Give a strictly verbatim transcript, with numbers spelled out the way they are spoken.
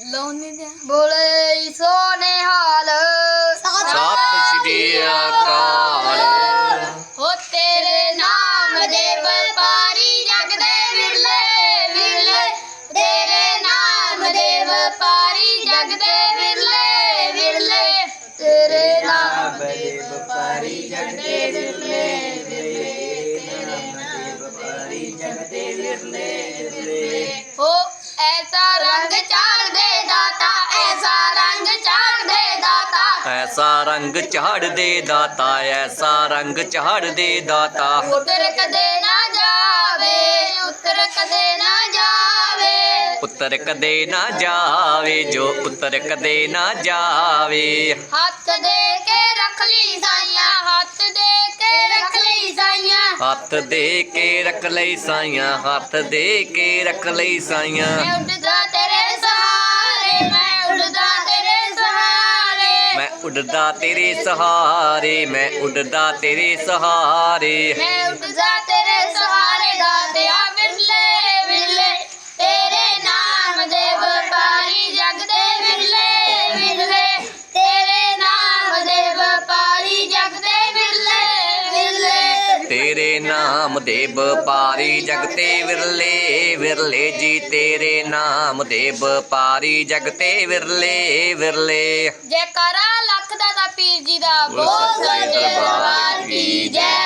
ਬੋਲੇ ਸੋਨੇ ਹਾਲ ਸਤਿ ਸ਼੍ਰੀ ਅਕਾਲ। ਹੋ ਤੇਰੇ ਨਾਮ ਦੇ ਵਪਾਰੀ ਜਗ ਦੇ ਵਿਰਲੇ ਵਿਰਲੇ, ਤੇਰੇ ਨਾਮ ਦੇ ਵਪਾਰੀ ਜਗ ਦੇ ਵਿਰਲੇ ਵਿਰਲੇ, ਤੇਰੇ ਨਾਮ ਦੇ ਵਪਾਰੀ ਜਗ ਦੇ ਵਿਰਲੇ ਵਿਰਲੇ, ਤੇਰੇ ਨਾਮ ਦੇ ਵਪਾਰੀ ਜਗ ਦੇ ਵਿਰਲੇ ਵਿਰਲੇ। ਹੋ ਐਸਾ ਰੰਗ ਚਾੜ ਦੇ ਦਾਤਾ, ਐਸਾ ਰੰਗ ਚਾੜ ਦੇ ਦਾਤਾ, ਐਸਾ ਰੰਗ ਝਾੜ ਦੇ ਦਾਤਾ, ਐਸਾ ਰੰਗ ਝਾੜ ਦੇ ਦਾਤਾ। ਉੱਤਰ ਕਦੇ ਨਾ ਜਾਵੇ, ਉੱਤਰ ਕਦੇ ਨਾ ਜਾਵੇ, ਉੱਤਰ ਕਦੇ ਨਾ ਜਾਵੇ, ਜੋ ਉੱਤਰ ਕਦੇ ਨਾ ਜਾਵੇ। ਹੱਥ ਦੇ ਕੇ ਰੱਖ ਲਈ ਸਾਈਆਂ, ਹੱਥ ਦੇ ਕੇ ਰੱਖ ਲਈ ਸਾਈਆਂ, ਹੱਥ ਦੇ ਕੇ ਰੱਖ ਲਈ ਸਾਈਆਂ, ਹੱਥ ਦੇ ਕੇ ਰੱਖ ਲਈ ਸਾਈਆਂ। ਮੈਂ ਉੱਡਦਾ ਤੇਰੇ ਸਹਾਰੇ, ਮੈਂ ਉੱਡਦਾ ਤੇਰੇ ਸਹਾਰੇ, ਮੈਂ ਉੱਡਦਾ ਤੇਰੇ ਸਹਾਰੇ, ਮੈਂ ਉੱਡਦਾ ਤੇਰੇ ਸਹਾਰੇ। ਮੈਂ ਉੱਡਦਾ ਤੇਰੇ ਸਹਾਰੇ ਦਾਤਿਆ ਵਿਰਲੇ ਵਿਰਲੇ, ਤੇਰੇ ਨਾਮ ਦੇ ਵਪਾਰੀ ਜਗ ਦੇ ਵਿਰਲੇ ਵਿਰਲੇ, ਤੇਰੇ ਨਾਮ ਦੇ ਵਪਾਰੀ ਜਗ ਦੇ ਵਿਰਲੇ ਵਿਰਲੇ। ਤੇਰੇ ਨਾਮ ਦੇ ਵਪਾਰੀ ਜਗ ਤੇ ਵਿਰਲੇ ਵਿਰਲੇ ਜੀ, ਤੇਰੇ ਨਾਮ ਦੇ ਵਪਾਰੀ ਜਗ ਤੇ ਵਿਰਲੇ ਵਿਰਲੇ। ਜੈਕਾਰਾ ਲੱਖ ਦਾ ਤਾ ਪੀਰ ਜੀ ਦਾ, ਬੋਲ ਸੱਚੇ ਦਰਬਾਰ ਕੀ ਜੈ।